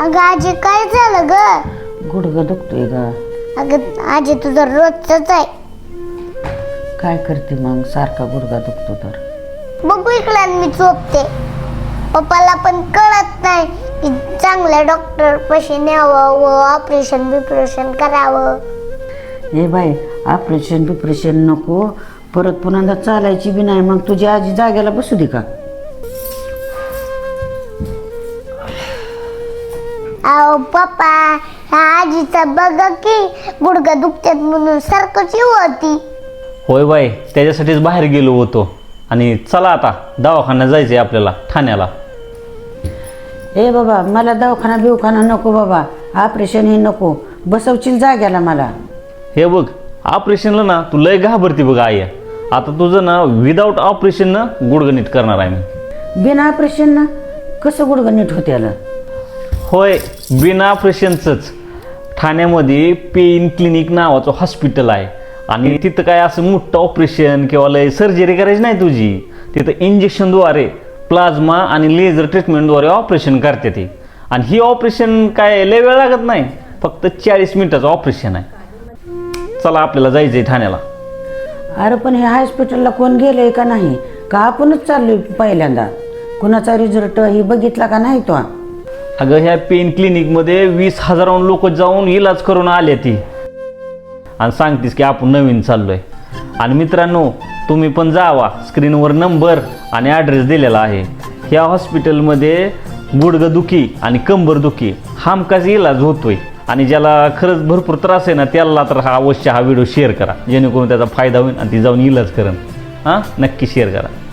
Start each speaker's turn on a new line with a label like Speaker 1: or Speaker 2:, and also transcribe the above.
Speaker 1: अगं आजी काय झालं ग?
Speaker 2: गुडघा दुखतोय ग.
Speaker 1: अगं आजी तुझं रोजच आहे.
Speaker 2: काय करते मग, सारखा गुडघा दुखतो तर.
Speaker 1: बघू इकडे मी झोपते. पप्पाला पण कळत नाही की चांगल्या डॉक्टर पाशी न्यावं व ऑपरेशन करावं.
Speaker 2: ए बाई, ऑपरेशन नको. परत पुन्हा चालायची बी नाही. मग तुझी आजी जागेला बसू दे का?
Speaker 1: अहो पप्पा, ह्या आजीचा बघा की गुडघा दुखतात म्हणून सारखंच होती.
Speaker 3: होय बाई, त्याच्यासाठीच बाहेर गेलो होतो. आणि चला आता दवाखान्यात जायचंय आपल्याला, ठाण्याला.
Speaker 2: ए बाबा, मला दवाखाना नको बाबा. ऑपरेशन हे नको. बसवशील जाग्याला मला.
Speaker 3: हे बघ, ऑपरेशनला ना तू लय घाबरती बघ आई. आता तुझं ना विदाऊट ऑपरेशन ना गुडघं नीट करणार आहे मी.
Speaker 2: बिना ऑपरेशन ना कसं गुडघं नीट होते आलं?
Speaker 3: होय, बिना ऑपरेशनचंच. ठाण्यामध्ये पेन क्लिनिक नावाचं हॉस्पिटल आहे. आणि तिथं काय असं मोठं ऑपरेशन किंवा लय सर्जरी करायची नाही तुझी. तिथं इंजेक्शनद्वारे, प्लाझ्मा आणि लेझर ट्रीटमेंटद्वारे ऑपरेशन करते ती. आणि ही ऑपरेशन काय लय वेळ लागत नाही, फक्त 40 मिनिटाचं ऑपरेशन आहे. चला आपल्याला जायचंय ठाण्याला.
Speaker 2: अरे पण ह्या हॉस्पिटलला कोण गेलंय का नाही? का आपणच चाललोय पहिल्यांदा? कुणाचा रिझल्ट ही बघितला का नाही तो?
Speaker 3: अगं ह्या पेन क्लिनिकमध्ये 20,000 लोक जाऊन इलाज करून आले ती. आणि सांगतीस की आपण नवीन चाललोय. आणि मित्रांनो, तुम्ही पण जावा. स्क्रीनवर नंबर आणि ॲड्रेस दिलेला आहे. ह्या हॉस्पिटलमध्ये गुडघेदुखी आणि कंबरदुखी हमखास इलाज होतोय. आणि ज्याला खरंच भरपूर त्रास आहे ना, त्याला तर अवश्य हा व्हिडिओ शेअर करा, जेणेकरून त्याचा फायदा होईल आणि ती जाऊन इलाज करेन. हां, नक्की शेअर करा.